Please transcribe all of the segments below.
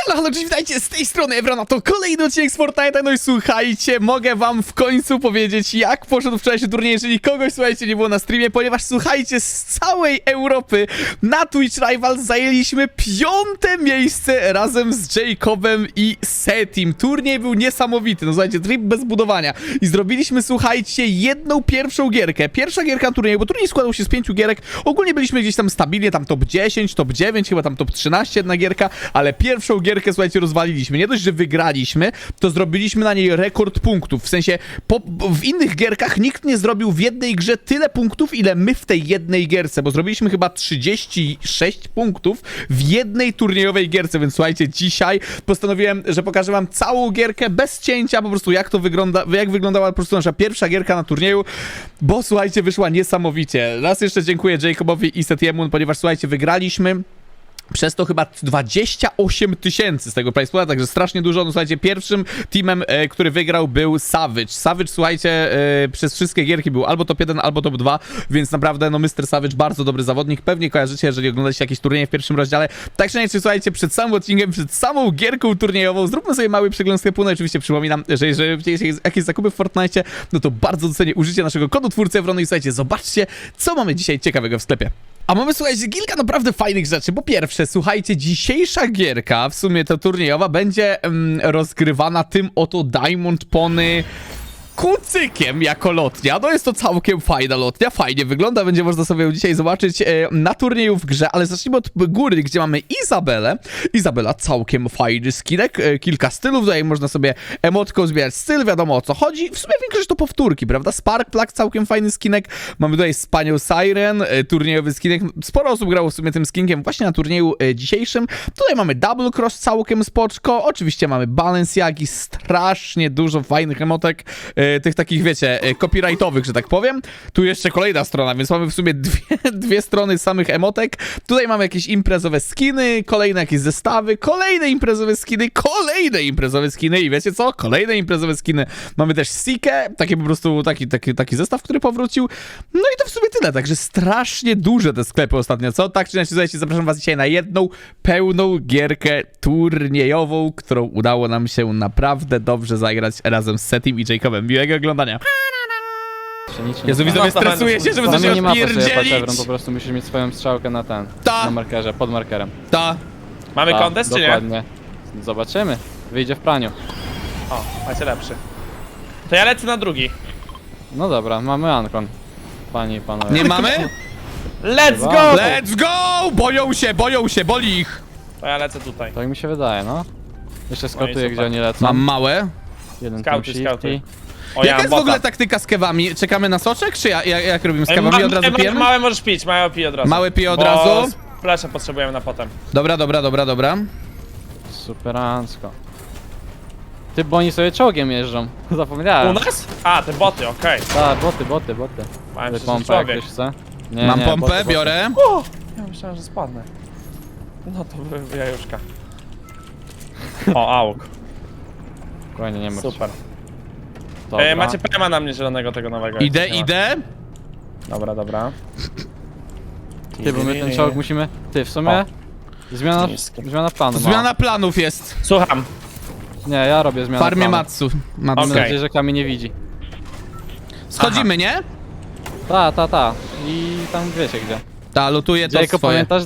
Halo, cześć, witajcie, z tej strony Ewrona, to kolejny odcinek z Fortnite'a. No i słuchajcie, mogę wam w końcu powiedzieć, jak poszedł wczorajszy turniej, jeżeli kogoś, słuchajcie, nie było na streamie, ponieważ, słuchajcie, z całej Europy na Twitch Rivals zajęliśmy 5. miejsce razem z Jacobem i Setim. Turniej był niesamowity, no słuchajcie, trip bez budowania. I zrobiliśmy, słuchajcie, jedną pierwszą gierkę. Pierwsza gierka turnieju, bo turniej składał się z 5 gierek. Ogólnie byliśmy gdzieś tam stabilnie, tam top 10, top 9, chyba tam top 13 jedna gierka, ale pierwszą gierkę, słuchajcie, rozwaliliśmy. Nie dość, że wygraliśmy, to zrobiliśmy na niej rekord punktów. W sensie, w innych gierkach nikt nie zrobił w jednej grze tyle punktów, ile my w tej jednej gierce, bo zrobiliśmy chyba 36 punktów w jednej turniejowej gierce, więc słuchajcie, dzisiaj postanowiłem, że pokażę wam całą gierkę bez cięcia, po prostu jak to wygląda, jak wyglądała po prostu nasza pierwsza gierka na turnieju, bo słuchajcie, wyszła niesamowicie. Raz jeszcze dziękuję Jacobowi i Setiemu, ponieważ słuchajcie, wygraliśmy przez to chyba 28 000 z tego prize pool'a, także strasznie dużo. No słuchajcie, pierwszym teamem, który wygrał, był Savage. Savage, słuchajcie, przez wszystkie gierki był albo top 1, albo top 2, więc naprawdę, no Mr. Savage, bardzo dobry zawodnik. Pewnie kojarzycie, jeżeli oglądacie jakieś turnieje w pierwszym rozdziale. Tak czy inaczej, słuchajcie, przed samym odcinkiem, przed samą gierką turniejową, zróbmy sobie mały przegląd sklepu. No oczywiście przypominam, że jeżeli widzicie jakieś zakupy w Fortnite, no to bardzo docenię użycie naszego kodu twórcy Ewrony i słuchajcie, zobaczcie, co mamy dzisiaj ciekawego w sklepie. A mamy, słuchajcie, kilka naprawdę fajnych rzeczy. Po pierwsze, słuchajcie, dzisiejsza gierka, w sumie to turniejowa, będzie rozgrywana tym oto Diamond Pony kucykiem jako lotnia. No jest to całkiem fajna lotnia, fajnie wygląda, będzie można sobie ją dzisiaj zobaczyć na turnieju w grze, ale zacznijmy od góry, gdzie mamy Izabelę. Izabela, całkiem fajny skinek, kilka stylów, tutaj można sobie emotką zbierać styl, wiadomo o co chodzi. W sumie większość to powtórki, prawda? Spark Plug, całkiem fajny skinek. Mamy tutaj Spaniel Siren, turniejowy skinek. Sporo osób grało w sumie tym skinkiem właśnie na turnieju dzisiejszym. Tutaj mamy Double Cross, całkiem spoczko. Oczywiście mamy Balenciagi, strasznie dużo fajnych emotek. Tych takich, wiecie, copyrightowych, że tak powiem. Tu jeszcze kolejna strona, więc mamy w sumie dwie strony samych emotek. Tutaj mamy jakieś imprezowe skiny, kolejne jakieś zestawy, kolejne imprezowe skiny i wiecie co? Kolejne imprezowe skiny. Mamy też Seekę, taki po prostu, taki zestaw, który powrócił. No i to w sumie tyle, także strasznie duże te sklepy ostatnio, co? Tak czy inaczej, słuchajcie, zapraszam was dzisiaj na jedną pełną gierkę turniejową, którą udało nam się naprawdę dobrze zagrać razem z Setim i Jacobem. Miłego oglądania. Jezu, widzowie, stresuję się, żeby coś się nie ma odpierdzielić. po prostu musisz mieć swoją strzałkę na ten, na markerze, pod markerem. Mamy kontest, czy nie? Dokładnie. Zobaczymy. Wyjdzie w praniu. O, macie lepszy. To ja lecę na drugi. No dobra, mamy Ankon. Panie i panowie. Nie mamy? Let's go! Let's go! Boją się, boli ich. To ja lecę tutaj. Tak mi się wydaje, no. Jeszcze skotuję, super. gdzie oni lecą. Mam małe. Jeden Skauty, team skauty. shifty. O, ja Jaka mam jest w ogóle bota. taktyka z kewami? Czekamy na soczek, czy jak robimy z kewami? Od razu pijemy? Małe możesz pić, małe pij od razu. Małe piję od Bo razu? Flesze potrzebujemy na potem. Dobra. Superancko. Ty, bo oni sobie czołgiem jeżdżą. Zapomniałem. U nas? A, te boty, okej. Tak, boty. Mają Ty się pompę jak człowiek. ktoś chce. Nie, Mam nie, pompę, boty. biorę. O! Ja myślałem, że spadnę. No to by jajuszka. O, auk. Spokojnie, nie martw się. Super. Dobra. Macie PMA na mnie zielonego tego nowego. Idę. Dobra. Ty, bo my ten czołg musimy... Ty, w sumie... Zmiana planu. Zmiana planów jest. Słucham. Nie, ja robię zmianę Farmie planu. Matsu. Mam Okej. nadzieję, że Kami nie widzi. Schodzimy, nie? Ta. I tam wiecie gdzie. Lutuję to Jacob, swoje. pamiętasz?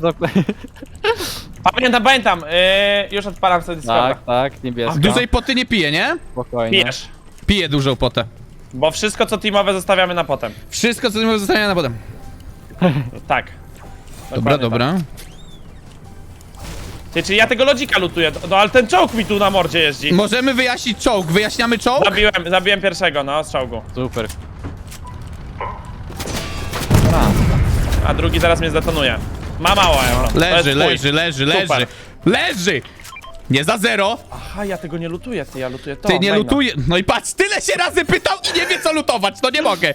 Pamiętam. Już odpalam sobie Discorda. Tak, niebiesko. Dużej poty nie piję, nie? Spokojnie. Pijesz. Piję dużą potę. Bo wszystko co teamowe zostawiamy na potem. Wszystko, co mi zostanie na potem. Tak. Dobra. Dokładnie tak. Ty, czyli ja tego lodzika lutuję, no ale ten czołg mi tu na mordzie jeździ. Możemy wyjaśnić czołg. Wyjaśniamy czołg? Zabiłem pierwszego, no, z czołgu. Super. A drugi zaraz mnie zdetonuje. Ma mało euro. To jest twój. Super. Leży! Nie za zero. Aha, ja tego nie lutuję, ja lutuję to. Ty nie maina. lutuje. No i patrz, tyle się razy pytał i nie wie co lutować. No nie mogę.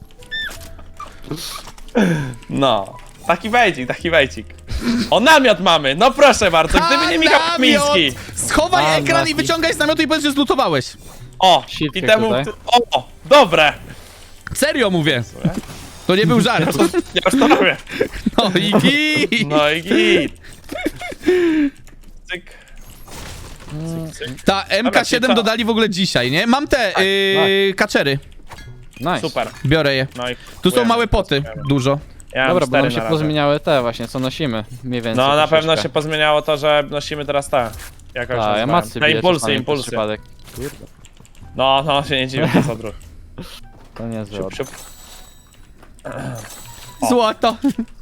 No. Taki wejcik. O, namiot mamy, no proszę bardzo, gdyby nie Michał Kamiński. Schowaj ekran i wyciągaj z namiotu i powiedz, że zlutowałeś. O, Shifty i temu... tutaj. O, dobre. Serio mówię. To nie był żart. Ja już to robię. No i git. No i git. Cyk. Ta MK7 Dobra, co? dodali w ogóle dzisiaj, nie? Mam te kaczery. Nice. Super. Biorę je. No i Tu są kupujemy. małe poty, dużo. Ja mam Dobra, bo 4 nam się na razie. pozmieniały te właśnie, co nosimy. Mniej więcej. No na pewno troszeczkę. się pozmieniało to, że nosimy teraz te. Jakoś Tak, ja nazwałem. macy Na biję impulsy, czasami przez impulsy. przypadek. Kurde, No, się nie dziwię, to jest odruch. to niezły Siup, odruch. siup. O. Złoto.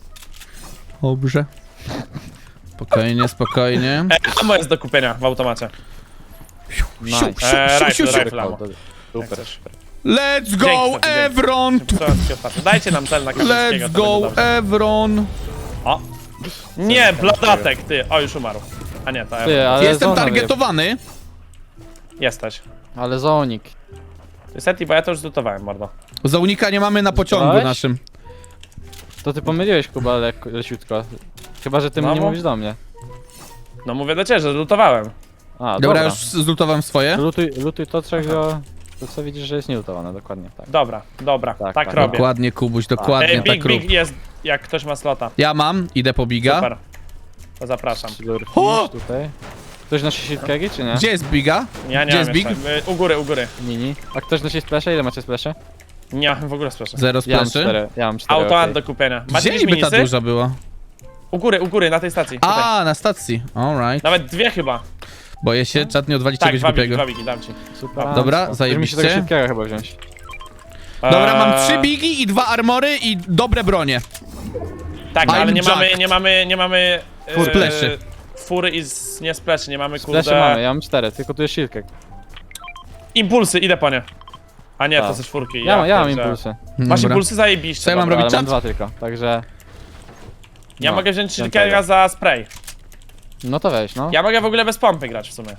Dobrze. Spokojnie, spokojnie. Ammo jest do kupienia w automacie. Nice. Siup, siup, siup, siup. Rifle ammo. Super. chcesz. Let's go, Dzięki, dzięki. Evron! Co ci otwarte? Dajcie nam cel na Kamińskiego, Let's to go, będzie dobrze. Evron! O! Nie, blodatek, ty! O, już umarł. A nie, to Ty, Evron. ale Jestem zona targetowany. Jesteś. Ale zonik. Niestety, bo ja to już zlutowałem, mordo. Zaunika nie mamy na pociągu Zlutowałeś? naszym. To ty pomyliłeś, Kuba, leciutko. Chyba, że ty No, nie bo- mówisz do mnie. No mówię do ciebie, że zlutowałem. A, Dobra, już zlutowałem swoje. Lutuj to, czego... To co widzisz, że jest nielutowane, dokładnie tak. Dobra, Tak, tak tak. robię. Dokładnie, Kubuś, dokładnie Big, tak rób. big jest, jak ktoś ma slota. Ja mam, idę po biga. Super. To zapraszam. O! Tutaj. Ktoś nosi shitkegi, czy nie? Gdzie jest biga? Ja nie Gdzie mam jest big? jeszcze. U góry. Mini. A ktoś nosi splasze? Ile macie splasze? Nie mam w ogóle splaszy. Zero Ja mam splaszy. 4. Ja mam 4. Auto do kupienia. Macie Gdzie jakieś niby ta minisy? duża była? U góry, na tej stacji. Tutaj. A, na stacji. Alright. Nawet 2 chyba. Boję się, czat nie odwalić Tak, czegoś 2 bigi, głupiego. 2 bigi, dam ci. Super. Dobra, Już zajebiście. mi się tego shitkega chyba wziąć. Dobra, mam Eee, 3 bigi i 2 armory i dobre bronie. Tak, ale I'm nie mamy, jacked. nie mamy... Spleszy. Fury i nie spleszy, nie mamy Splasze kurde... mamy, ja mam 4, tylko tu jest shitkeg. Impulsy, idę po nie. A nie, to Tak. są czwórki. Ja mam pierdzielę. impulsy. Masz Dobra. impulsy? Zajebiście. Co ja mam dobra. robić? Ale mam czat? 2 tylko, także... Ja No, mogę wziąć ten shilkera tego. za spray. No to weź, no. Ja mogę w ogóle bez pompy grać w sumie.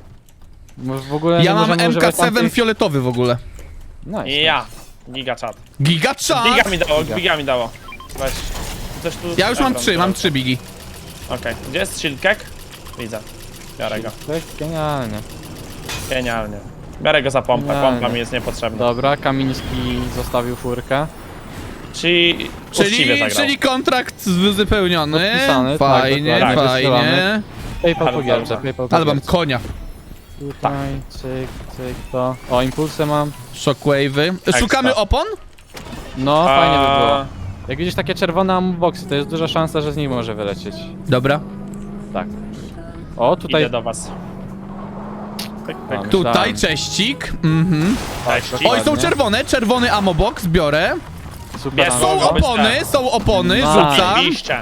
W ogóle Ja nie mam możemy używać MK7 tamtych- fioletowy w ogóle. Nice. I ja. Giga chat. Giga czat! Giga mi dało. Weź. Coś tu... Ja już mam Ebron 3, mam teraz. 3 bigi. Okej. Gdzie jest shilkek? Widzę. Biorę go. To jest genialnie. Genialnie. Biorę go za pompę, Genialnie. pompa mi jest niepotrzebna. Dobra, Kamiński zostawił furkę. Czyli uczciwie zagrał. Czyli kontrakt wypełniony. Podpisany, tak, Fajnie, dokładnie. Tak, fajnie. wysyłamy. PayPal Ale po gierce, dobra. PayPal po Ale mam gierce. konia. Tutaj, cyk, cyk, to. O, impulsy mam. Shockwave'y. Szukamy Ekstra. opon? No, fajnie by było. A, Jak widzisz takie czerwone ammoboxy, to jest duża szansa, że z nich może wylecieć. Dobra. Tak. O, tutaj... Idę do was. Pyk, pyk. Mam. Tutaj Myślałem. cześcik. Mhm. Cześć. Oj, są czerwone. Czerwony ammobox, biorę. Super, Jest, Są Mogą być opony, są opony, Nice. rzucam. Zajebiście.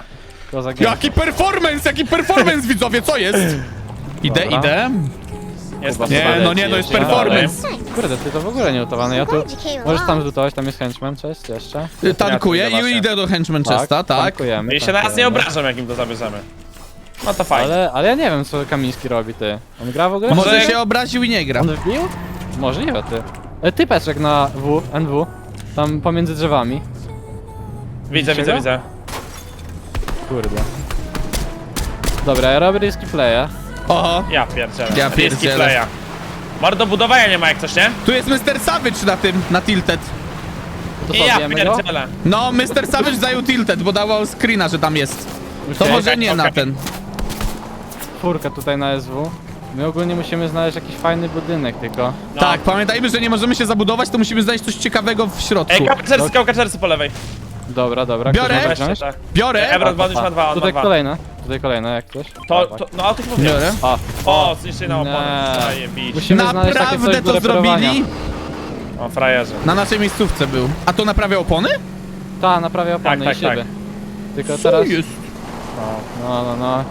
Jaki performance, widzowie, co jest? Idę, Dobra. idę. Jest Kuba, to Nie, Dobra, no nie, no jest leci, performance. Kurde, ty to w ogóle nie lutowane. Ja tu... Glad you came Możesz tam along. zlutować, tam jest henchman, cześć, jeszcze. Tankuję Ja tu i idę do Henchman Chesta, tak. tankujemy, I się na nas nie tankujemy. obrażam, jakim to zabierzemy. No to fajnie. Ale ja nie wiem, co Kamiński robi, ty. On gra w ogóle? Może Może- się obraził i nie gra. On wbił? Możliwe, ty. Typeczek na NW. Tam pomiędzy drzewami. Widzę, Czego? widzę. Kurde. Dobra, ja robię risky playa. Oho, Ja pierdzielę. Ja Risky pierdzielę. playa. Mordo budowania nie ma jak coś, nie? tu jest Mr. Savage na tym, na Tilted. To I co, ja bijemy go? pierdzielę. No, Mr. Savage zajął Tilted, bo dawał screena, że tam jest. To Okej, może nie na okej. ten. Czwórkę tutaj na SW. My ogólnie musimy znaleźć jakiś fajny budynek tylko. No. Tak, pamiętajmy, że nie możemy się zabudować, to musimy znaleźć coś ciekawego w środku. Kałkaczercy po lewej. Dobra, dobra. Biorę. Ktoś może Weźcie, wziąć? tak. Biorę, Ebron już ma 2, on ma Tutaj 2. kolejne jak coś. To, Dawaj. no o tych mówię. biorę. A, O, zniszczyli na oponę. Nie. Zajebiście. Musimy znaleźć takie Naprawdę coś do to reperowania. zrobili? O, frajerzy. Na naszej miejscówce był. A to naprawia opony? Ta, naprawia opony Tak, i tak, szyby. Tylko Co teraz... jest? No.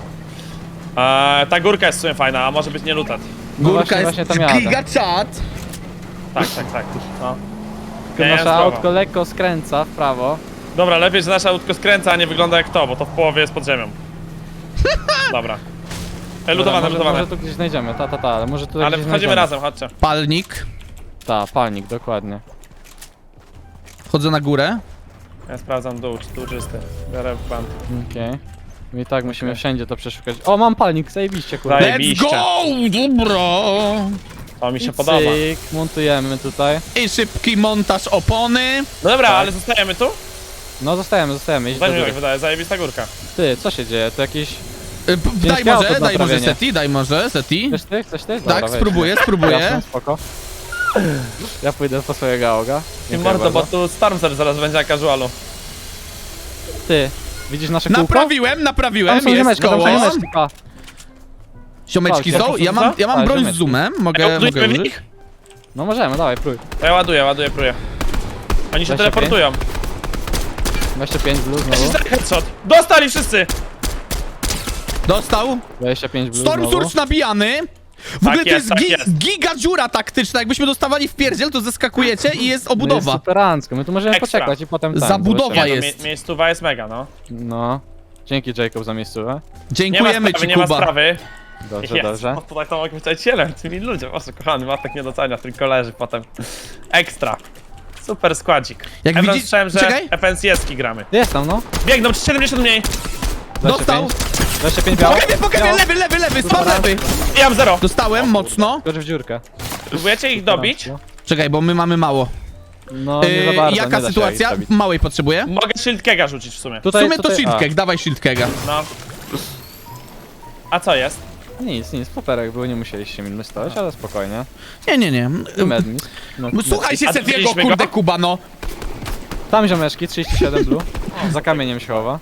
Ta górka jest w sumie fajna, a może być nie lutat. No Górka właśnie jest tam jadę. giga chat. Tak. No. Tylko nasze zdrowo. autko lekko skręca w prawo. Dobra, lepiej, że nasze autko skręca, a nie wygląda jak to, bo to w połowie jest pod ziemią. Dobra. Lutowane. Może tu gdzieś znajdziemy, ale może tu Ale gdzieś wchodzimy znajdziemy. razem, chodźcie. Palnik. Palnik, dokładnie. Wchodzę na górę. Ja sprawdzam dół, czy tu czysty. Biorę pan. Okej. I tak musimy wszędzie to przeszukać. O, mam palnik, zajebiście, kurde. Zaje- Let's Zajebiście. go! Dobra. To mi się I podoba. cyk, montujemy tutaj. I szybki montaż opony. No dobra, Tak. ale zostajemy tu? No zostajemy, idź do Daj mi góry. tak wydaje, zajebista górka. Ty, co się dzieje? To jakieś... Daj Ciężkie auto może, do naprawienia. daj może, Seti. Chcesz ty? Chcesz ty? Dobra, Tak, weź. spróbuję. Jasne, spoko. Ja pójdę po swojego auga. Ty Dziękuję mordo, bo bardzo. tu Stormzer zaraz będzie na casualu. Ty, widzisz nasze kółko? Naprawiłem, Tam są jest ziomeczki, tam koło. są ziomeczki, pa. Ziomeczki Tak, są? jak Ja mam Tak, broń z ziomeczki. zoomem, mogę Ładujemy w użyć? nich? No możemy, dawaj, prój. To ja ładuję, próję. Oni się 25? teleportują. 25 blue znowu. Headshot. Dostali wszyscy! Dostał. 25 blue Storm znowu. Surge nabijany. W ogóle to jest, jest, tak jest. giga dziura taktyczna. Jakbyśmy dostawali w pierdziel, to zeskakujecie i jest No jest obudowa. superancko, my tu możemy Ekstra. poczekać i potem ten. Zabudowa zobaczymy. jest. Miejscowa jest mega, no. No. Dzięki Jacob za miejscówę. Nie ma Dziękujemy sprawy, ci, nie ma Kuba. sprawy. Dobrze, Jest. dobrze. O, tutaj to mogę być cielem, tymi ludzie. Boże, kochany, Matek nie docenia, tylko leży potem. Ekstra. Super składzik. Jak Evron widzisz- słyszałem, że czekaj. FNCS-ki gramy. Jest tam, no. Biegną, 70 mniej. 25. Dostał. 25 biało. Pokażę, lewy, spam lewy. Ja mam 0. Dostałem mocno. Skocz w dziurkę. Próbujecie ich dobić? Czekaj, bo my mamy mało. No, nie za bardzo, nie Jaka da się sytuacja? ich zabić. Małej potrzebuję. Mogę shield kega rzucić w sumie. W Tutaj, sumie to tutaj, shield keg, dawaj shield kega. No. A co jest? Nic, poperek był, nie musieliście mi stoć, ale spokojnie. Nie. I medmis. No, Słuchaj się A Setiego, widzieliśmy kurde go? Kuba, no. Tam ziomeczki, 37 blue. Za kamieniem się chowa.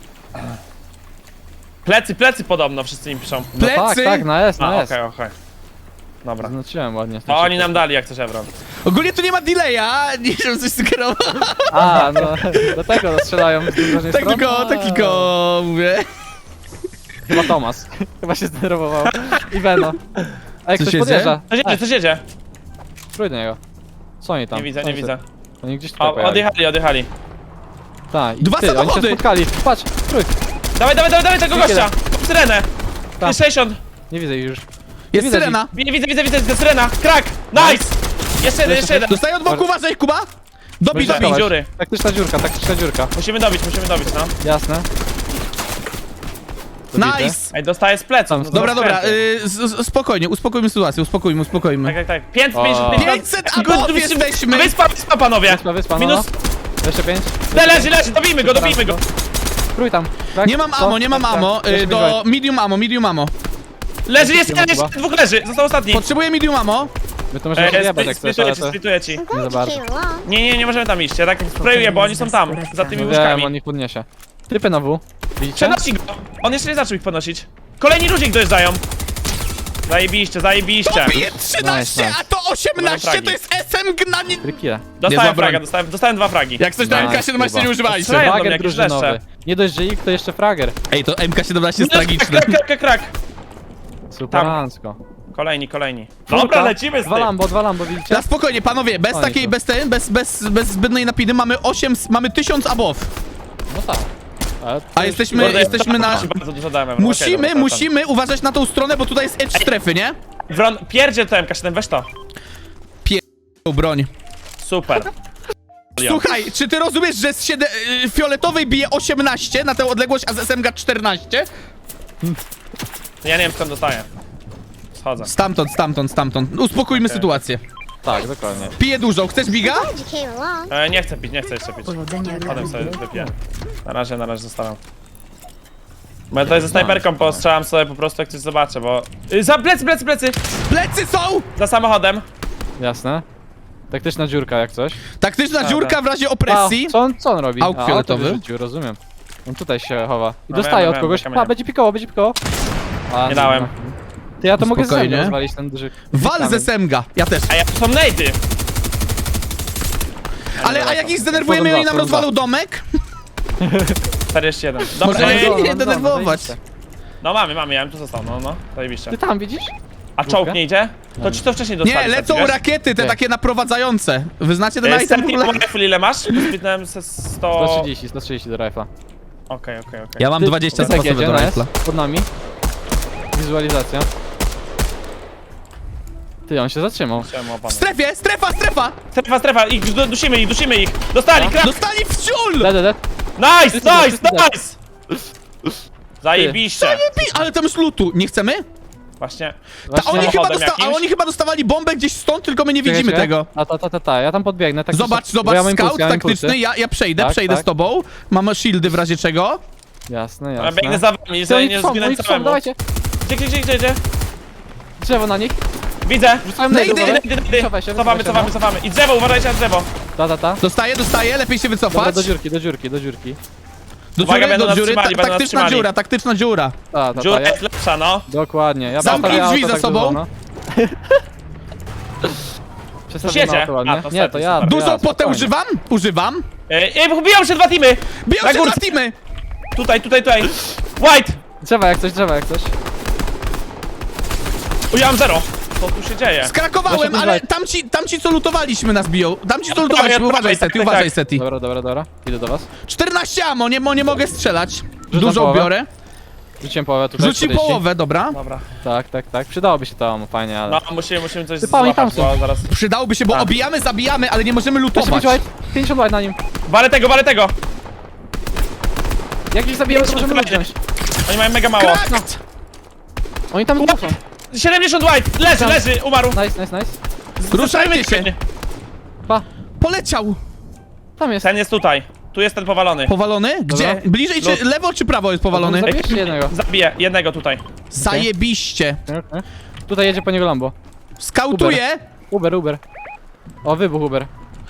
Plecy podobno, wszyscy mi piszą. No Plecy? tak, na S, A, na S. okej. Dobra. Zaznaczyłem ładnie. To oni nam dali jak coś Evron. Ogólnie tu nie ma delaya, nie wiem coś sugerować. A, no, do tego strzelają z drugiej strony. Takiko, mówię. Chyba Tomas. Chyba się zdenerwował. I Beno. Ej, Co ktoś się podjeżdża. Coś jedzie. Trój do niego. Co oni tam? Nie widzę, Oni nie się- widzę. Oni gdzieś tutaj O, pojechali. odjechali. Tak, i Dwa ty, oni się samochody! spotkali. Patrz, trój. Dawaj tego gościa! Syrenę! Tam. 60! Nie widzę ich już. Jest Widać syrena. Widzę, syrena! Krak! Nice! Jeszcze jeden! Dostaję od boku, uważaj Kuba. Dobij, Dobra. dobij. dziury. Taktyczna dziurka. Musimy dobić, no. Jasne. Dobity. Nice. Ej, dostaję z pleców. No to Dobra, skręty. spokojnie, uspokójmy sytuację, uspokójmy. Tak. 550, O. 500 abów jesteśmy. Wyspa, panowie! Wyspa, no. Minus... 25. Leży, dobijmy go! Trój tam. Tak? Nie mam Co? ammo, Jeszcze do medium ammo. Leży, jeszcze Chyba. dwóch leży, został ostatni. Potrzebuję medium ammo. My to możemy wyjebać jak chcesz, ale to... Splituję ci. Nie za bardzo. Nie możemy tam iść, ja tak sprayuję, bo oni są tam, za tymi Wiem, łóżkami. on ich podniesie. Typy na W. Widzicie? Przenosi go! On jeszcze nie zaczął ich podnosić. Kolejni ludzie ich dojeżdżają. Zajebiście. Bije 13, Nice. a to 18 fragi. to jest SMG na nie... Trikile. Dostałem Niezła fraga, broń. dostałem 2 fragi. Jak coś na Nice, MK17 Kuba. nie używajcie. Strzelają do mnie Frager jakieś drużynowy. leszcze. Nie dość, że ich, to jeszcze frager. Ej, to MK17 jest tragiczne. Krak. Superancko. Kolejni. Dobra, lecimy z tym. Dwa Lambo, widzicie? Na spokojnie, panowie, bez Oni takiej, tu. bez zbędnej napiny mamy 1000 abów. No tak. Ale to A już- jesteśmy na... Bardzo dużo dałem. Evron. Okej, dobra, Musimy uważać na tą stronę, bo tutaj jest edge strefy, nie? Evron, pierdziel to MK7, weź to. Tą broń. Super. Słuchaj, czy ty rozumiesz, że z fioletowej bije 18 na tę odległość, a z SMG 14? Ja nie wiem skąd dostaję. Schodzę. Stamtąd. Uspokójmy sytuację. Tak, dokładnie. Piję dużo, chcesz biga? Glad you came along. Nie chcę jeszcze pić. Potem sobie wypiję. Na razie zostawiam. Bo ja tutaj ze snajperką postrzelam sobie po prostu jak coś zobaczę, bo... Za plecy! Plecy są! Za samochodem. Jasne. Taktyczna dziurka jak coś. Taktyczna dziurka w razie A, opresji. co on robi? Auk fioletowy. Rzucił, rozumiem. On tutaj się chowa. I No dostaje wiem, od kogoś. kamienia. A, będzie pikoło. A, Nie dałem. Ty, ja to mogę Spokojnie. sobie rozwalić ten duży... Wal kamień. ze SMG, ja też. A ja tu są nejdy. Ale a jak ich zdenerwujemy i oni nam rozwalą domek? 41. Dobrze, Może nie, nie denerwować. No mamy, ja bym tu został, no, zajebiście. Ty tam widzisz? A czołg nie idzie? To ci to wcześniej dostali. Nie, lecą wiesz? rakiety, te Nie. takie naprowadzające. Wy znacie ten item w Setting ogóle? rifle ile masz? Spytnąłem se 100... 130 do rifla. Okej. Ja mam 20 Ty, sposobów do jedzie, rifla. Pod nami. Wizualizacja. Ty, on się zatrzymał. Chciałem W opany. strefie, strefa! Strefa, dusimy ich. Dostali, krak! Dostali w ciul! Dead. Nice! Ty. Zajebiście. Ale tam jest lootu, nie chcemy? Właśnie. A oni, chyba samochodem jakimś? oni chyba dostawali bombę gdzieś stąd, tylko my nie widzimy tego. Ja tam podbiegnę. Tak Zobacz, bo ja mam scout impulsy, ja mam taktyczny, impulsy. ja przejdę Tak, z tak. tobą. Mam shieldy w razie czego. Jasne, Ja biegnę jasne. za wami, Oni żeby nie są, zginąć oni są, samemu. dawajcie. Gdzie? Drzewo na nich. Widzę! Rzucają No najdu, idę, uważaj. Idę. Wycofaj się, Cofamy. wycofaj się, I drzewo, uważajcie na drzewo. no. Ta. Dostaję, lepiej się Dobra, wycofać. do dziurki. Uwaga, będą nas trzymali, będą nas taktyczna trzymali. dziura, taktyczna dziura. Ta, Dziura ja... jest lepsza, no. Dokładnie. Ja Zamknij postawię drzwi auto za tak sobą. dużo, no. Przestawiamy jedzie. auto ładnie. A, to Nie, to ja. super. Dużo potę spokojnie. używam. Biją się 2 teamy! Biją Na się górce. na teamy. Tutaj. White! Drzewa jak coś. O, ja mam 0. Co tu się dzieje? Skrakowałem, Proszę, ale dawaj. tamci co lutowaliśmy nas biją. Tamci co Ja lutowaliśmy, prawej, uważaj Seti, tak. uważaj Seti. Dobra. Idę do was. 14 ammo, nie mogę strzelać. Rzucam Dużo połowę. biorę. Rzuciłem połowę tutaj. Rzuci 40. połowę, dobra. Dobra. Tak. Przydałoby się to, fajnie, ale... No, musimy coś Ty, Paweł, tam złapać, są. bo zaraz... Przydałoby się, bo Tak. obijamy, zabijamy, ale nie możemy Proszę lutować. być white. 50 white na nim. Walę tego! Jak ich zabijemy, to możemy Słuchajcie. wziąć. Oni mają mega mało. Krakt! Oni tam są. 70 white! Leży, umarł! Nice. Ruszajcie się. Pa. Poleciał. Tam jest. Ten jest tutaj. Tu jest ten powalony. Powalony? Gdzie? Dobra. Bliżej czy lewo czy prawo jest powalony? Zabijesz jednego. Zabiję jednego tutaj. Zajebiście. Tutaj jedzie po niego Lambo. Skautuję. Uber. O, wybuch Uber.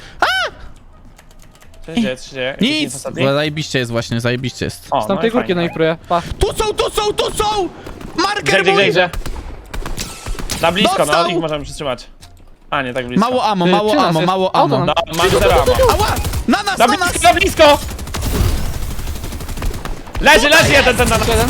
Co się dzieje? Nic. Ostatni? Zajebiście jest właśnie, zajebiście jest. O, Z tamtej no i górki fajnie, na nich próbuję. Pa. Tu są! Marker mój! Gdzie? Na blisko, Dostał! no, ich możemy przytrzymać. A, nie tak blisko. Mało ammo, Ty, mało przy nas ammo, jest. mało Auto ammo. nam- No, mam 0 ammo. Ała! Na nas! Na blisko! Leży jeden na nas. Jeden.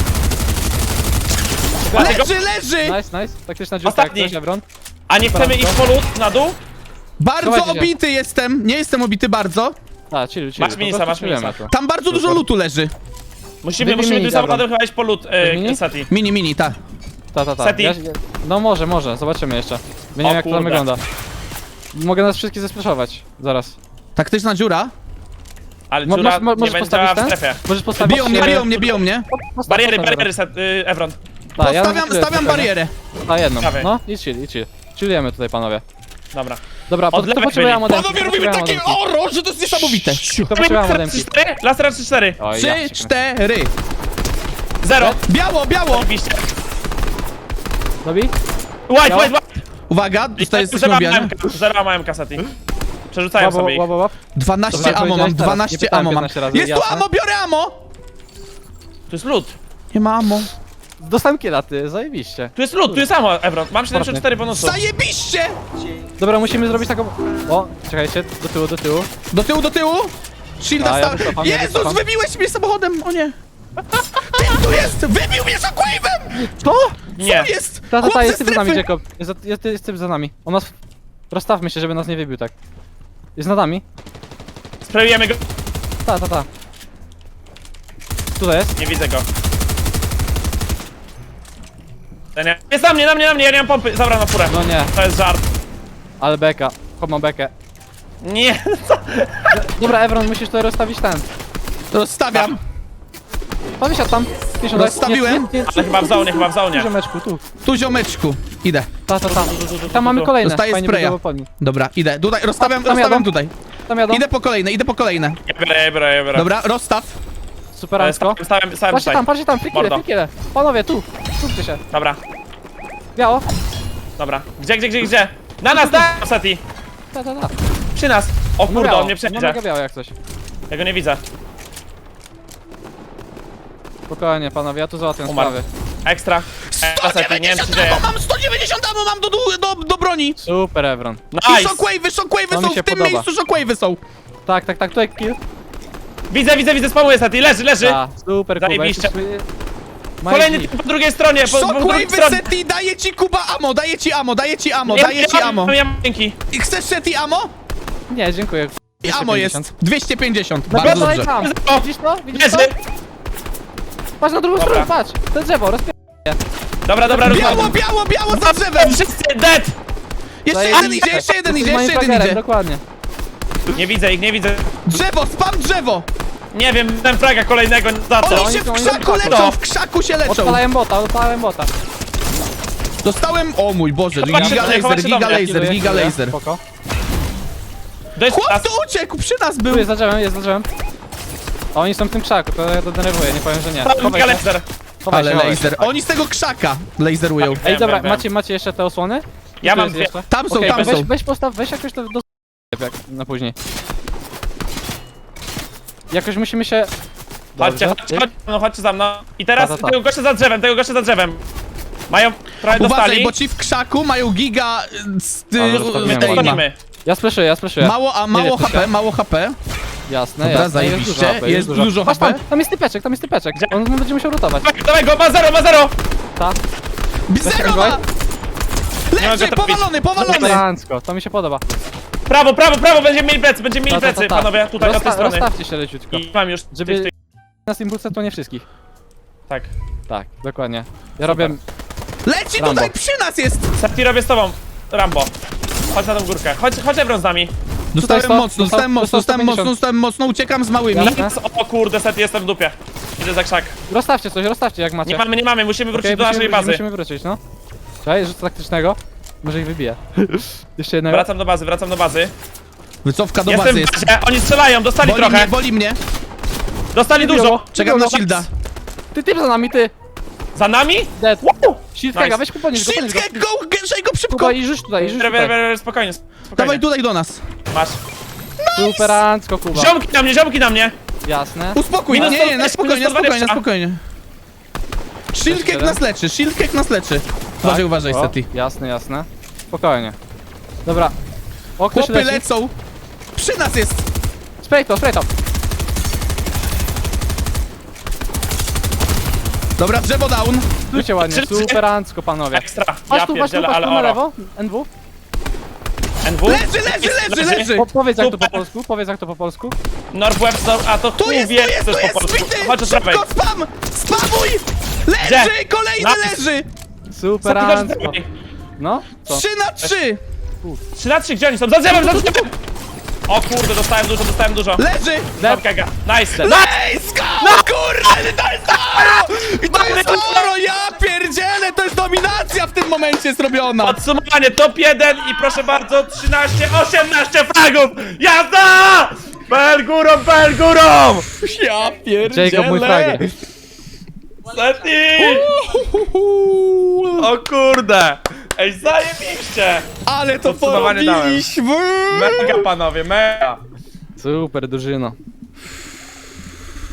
Leży! Nice. Taktyczna dziurka jak Ostatni. coś, Evron. A nie chcemy iść po lód na dół? Bardzo Schowajcie się. obity jestem, nie jestem obity bardzo. A, chill. Masz po minisa, prostu masz chillujemy minisa. to. Tam bardzo dużo lutu leży. Musimy Wybij tym mini, samochodem chyba iść po lód, mini? Seti. Mini, ta. Ta. Seti. No może, zobaczymy jeszcze. Nie wiem jak to tam kurde. wygląda. Mogę nas wszystkich zesplaszować. Zaraz. Taktyczna dziura. Ale Mo- dziura możesz- nie możesz będzie postawić działa w ten? strefie. Możesz postawić... Biją mnie. Postaw, Bariery, Evron. Ta, ja Stawiam spokojnie. barierę. Ta, jedną. Prawej. No, i chill. Chillujemy tutaj, panowie. Dobra. Dobra, Od lewej potrzebuję byli. modemki. Panowie, robimy takie oro, że to jest niesamowite. To potrzebuję modemki. 4? Laser 3-4. Oj, 3, ja cię kręcę. 4. 0. Biało. Oczywiście. Dobij? White. Uwaga, tutaj jesteśmy obijani. 0 małem kasety. Przerzucają Łap, sobie ich. łap. 12 Dobra, ammo mam, powiedziałeś teraz. 12 Nie pytałem ammo mam. 15 razy, Jest tu jasne. ammo, biorę ammo. Tu jest lód. Nie ma ammo. Dostałem kiela, ty, zajebiście. Tu jest lód, tu jest ammo, Evron. Mam 74 bonusów. Zajebiście! Dobra, musimy zrobić taką... O, czekajcie, do tyłu. Do tyłu. Shielda A, ja sta... wycofam, ja Jezus, wycofam. wybiłeś mnie samochodem, o nie. Ty tu jest! Wybił mnie shockwave'em! Co? Nie. Co jest? Ta, Chłop jest ze typ za nami, strefy. Jacob. Jest typ za nami. On nas... Rozstawmy się, żeby nas nie wybił, tak. Jest nad nami. Sprayujemy go. Ta. Tutaj jest. Nie widzę go. Jest na mnie, ja nie mam pompy. Zabrał na furę. No nie, To jest żart. ale beka. Chłop ma bekę. Nie. Dobra, Evron, musisz tutaj rozstawić ten. Rozstawiam. Pan wysiadł tam. 50 Rozstawiłem. Nie. Ale chyba w zaunie. Ziomeczku, tu. Tu ziomeczku. Idę. Ta. Tam mamy kolejne. Dostaję Fajnie spraya. by było po nim. Dobra, idę. Tutaj, rozstawiam Tam jadą. tutaj. Tam jadą. Idę po kolejne. Ja biorę. Dobra, rozstaw. Super, Ansko. Stałem Patrzcie tutaj. tam, Mordo. frikile. Panowie, tu. Skupcie się. Dobra. Biało. Dobra. Gdzie? Na nas, Seti. Ta. Przy nas. O kurde, biało. on mnie No przejdzie. mega biało jak coś. Ja go nie widzę. Spokojnie, panowie, ja tu załatwiam Umarł. sprawy. Ekstra. Seti, nie wiem co się dzieje. Mam 190 ammo, mam do broni. Super, Evron. I Nice. shockwave'y To mi są się w tym podoba. miejscu, shockwave'y są. Tak, tutaj kill. Widzę, spamuję Seti. Leży. Ta, super, Kuba. Zajebiście. jesteśmy- Kolejny Majki. typ po drugiej stronie. Po drugiej Shockwave'y stronie. Seti, daję ci Kuba ammo, daję ci ammo. Ja mam dzięki. I chcesz Seti ammo? Nie, dziękuję. I ammo 250. jest 250, Dobra, bardzo daj dobrze. tam. O, Widzisz to? Widzisz to? Leży. Patrz na drugą Dobra. stronę, patrz. To drzewo, rozpier... Dobra, Biało za drzewem. Wszyscy dead. Jeszcze jeden idzie, jeszcze jeden idzie. Dokładnie. Nie widzę ich. Drzewo, spam drzewo. Nie wiem, ten fraga kolejnego za co. Oni się w oni krzaku są leczą, w krzaku się leczą. Odpalałem bota. Dostałem, o mój Boże, Chowacie do mnie, chowacie do mnie. giga laser. Spoko. To jest Chłop nas. tu uciekł, przy nas był. Tu jest za drzewem. A oni są w tym krzaku, to ja to denerwuję, nie powiem, że nie. Chowaj się, laser. chowaj Ale się, chowaj się. laser. Oni z tego krzaka laserują. Tak. Ej, dobra, Wiem. macie jeszcze te osłony? Ja Tu mam jest dwie. jeszcze. Tam są, Okej, tam weź, są. weź postaw, weź jakoś to do... jak na później. Jakoś musimy się... Chodźcie, Dobrze. chodźcie, no chodźcie za mną. I teraz Ta. tego gościa za drzewem. Mają, trochę Uważaj, dostali. bo ci w krzaku mają giga Ale zostawiłem aima. Gonimy. Ja splaszuję. Mało, a mało wiesz, co HP, się- mało HP. Jasne, Dobra, jasne, zajebiście, jest dużo. dużo Patrz HP. tam jest typeczek, Gdzie? On będzie musiał rotować. Dawaj go, ma zero! Ta, Zero ma! Nie Leży, mogę trafić. powalony! elegancko, to mi się podoba. Prawo, będziemy mieli plecy, panowie, tutaj od tej strony. Rozstawcie się leciutko. I mam już Żeby- tych. Nas impulsy to nie wszystkich. Tak. Tak, dokładnie. Ja robię... Leci Rambo. tutaj, przy nas jest! Seti robię z tobą, Rambo. Chodź na tą górkę, chodź Ebron z nami. Dostałem Dostał- mocno, dostał 150. uciekam z małymi. Jasne. O kurde, Seti, jestem w dupie. Idę za krzak. Rozstawcie jak macie. Nie mamy, musimy wrócić Okej, do naszej bazy. Musimy wrócić, no. Czekaj, rzut taktycznego. Może ich wybije. Jeszcze jednego. Wracam do bazy. Wycofka do Jestem bazy w jest. bazie, oni strzelają, dostali trochę. Boli mnie. Dostali dużo. Czekam na Dobra. shielda. Ty za nami, ty! Za nami? Dead. Wow! Shield Nice. Kega, weź podnieś go, podnieś go. Shield, go, gęszej go szybko! Kuba i rzuć tutaj, Spokojnie. Dawaj tutaj do nas. Masz. Superancko, Kuba. Ziomki na mnie. Jasne. Uspokój, Minus nie, 120, na spokojnie, minus 120. spokojnie. Shieldcake nas leczy. Uważaj, O, Seti. Jasne. Spokojnie. Dobra. O, ktoś Chłopy leci. lecą. Przy nas jest. Spray to. Dobra, drzewo down. Stójcie ładnie, superancko, panowie. Ekstra. Patrz Ja tu, pierdzielę, ale na oro. lewo. NW. NW? Leży. Powiedz jak to po Super. polsku, Northwest, a to Tu chuj jest, wie, tu jest, co tu jest po jest, polsku. zbity. Chodź od prawej. Szybko, spam. Spamuj. Leży, Gdzie? kolejny Napis. leży. Superancko. No, co? 3 na 3. 3 na 3, gdzie oni są? Za drzewem! O kurde, dostałem dużo. Leży. Kega. Nice. Let's go! Kurde, to jest oro! I to jest oro, ja pierdzielę, to jest dominacja w tym momencie zrobiona. Podsumowanie, top 1 i proszę bardzo, 18 fragów! Jazda! Bel górą! Ja pierdzielę. Jacob, mój frager. Seti! O kurde! Ej, zajebiście! Ale to Podsumowanie dałem. porobiliśmy. Mega panowie, mega! Super, drużyno.